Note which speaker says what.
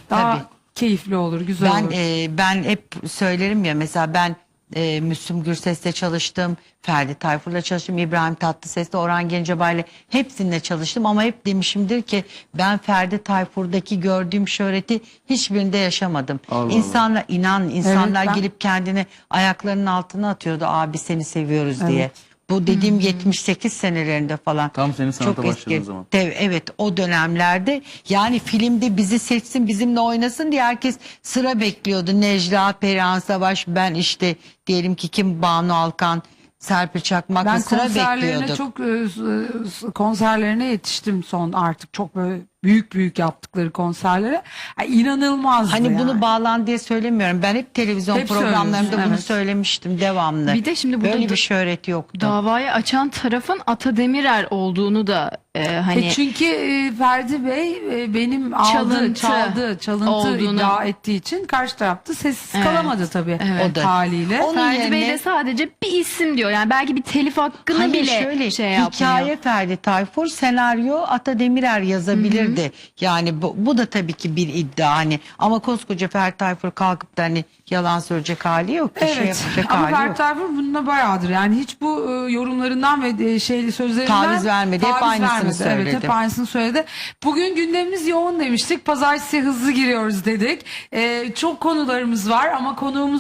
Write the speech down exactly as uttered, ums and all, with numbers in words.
Speaker 1: daha
Speaker 2: Tabii.
Speaker 1: keyifli olur, güzel
Speaker 2: Ben
Speaker 1: olur.
Speaker 2: e, ben hep söylerim ya, mesela ben e, Müslüm Gürses'le çalıştım, Ferdi Tayfur'la çalıştım, İbrahim Tatlıses'le, Orhan Gencebay'la hepsininle çalıştım ama hep demişimdir ki ben Ferdi Tayfur'daki gördüğüm şöhreti hiçbirinde yaşamadım.
Speaker 3: Allah Allah.
Speaker 2: İnsanlar inan insanlar
Speaker 1: ben-
Speaker 2: gelip kendini ayaklarının altına atıyordu, abi seni seviyoruz diye.
Speaker 1: Evet.
Speaker 2: Bu dediğim yetmiş sekiz senelerinde falan.
Speaker 3: Tam senin sanata
Speaker 2: Çok
Speaker 3: başladığın
Speaker 2: eski.
Speaker 3: zaman.
Speaker 2: Te- Evet, o dönemlerde yani filmde bizi seçsin, bizimle oynasın diye herkes sıra bekliyordu. Necla, Perihan Savaş, ben işte diyelim ki kim, Banu Alkan, Serpil Çakmak'la
Speaker 1: Ben
Speaker 2: sıra
Speaker 1: konserlerine
Speaker 2: bekliyorduk.
Speaker 1: çok e, s- konserlerine yetiştim son, artık çok böyle büyük büyük yaptıkları konserlere. Yani inanılmazdı
Speaker 2: Hani bunu
Speaker 1: yani.
Speaker 2: bağlan diye söylemiyorum. Ben hep televizyon
Speaker 1: Hep
Speaker 2: programlarımda
Speaker 1: söylüyorsun,
Speaker 2: bunu
Speaker 1: evet.
Speaker 2: söylemiştim devamlı.
Speaker 4: Bir de şimdi burada
Speaker 2: böyle
Speaker 4: da-
Speaker 2: bir şöhret yoktu.
Speaker 4: Davayı açan tarafın Ata Demirer olduğunu da e, hani
Speaker 1: E çünkü e, Ferdi Bey e, benim aldığı,
Speaker 4: Çalıntı
Speaker 1: çaldığı, çalıntı
Speaker 4: olduğunu-
Speaker 1: iddia ettiği için karşı tarafta sessiz
Speaker 4: Evet.
Speaker 1: kalamadı tabii
Speaker 4: Evet.
Speaker 2: O da-
Speaker 1: haliyle.
Speaker 2: Onun
Speaker 4: Ferdi Bey
Speaker 2: yerine-
Speaker 4: de sadece bir isim diyor. Yani belki bir telif hakkını
Speaker 2: Hayır,
Speaker 4: bile
Speaker 2: şöyle,
Speaker 4: şey yapmıyor.
Speaker 2: hikaye Ferdi Tayfur, senaryo Ata Demirer yazabilirdi. Yani bu, bu da tabii ki bir iddia hani, ama koskoca Ferdi Tayfur kalkıp da hani yalan söyleyecek hali yok. Bir şey
Speaker 1: Evet,
Speaker 2: yapacak
Speaker 1: ama
Speaker 2: hali
Speaker 1: Ferdi
Speaker 2: yok.
Speaker 1: Tayfur bununla bayağıdır yani hiç bu e, yorumlarından ve e, şeyli sözlerinden
Speaker 2: Taviz vermedi, hep
Speaker 1: taviz
Speaker 2: aynısını
Speaker 1: vermedi.
Speaker 2: söyledi.
Speaker 1: Evet, hep aynısını söyledi. Bugün gündemimiz yoğun demiştik, pazartesi hızlı giriyoruz dedik. E, çok konularımız var ama konuğumuz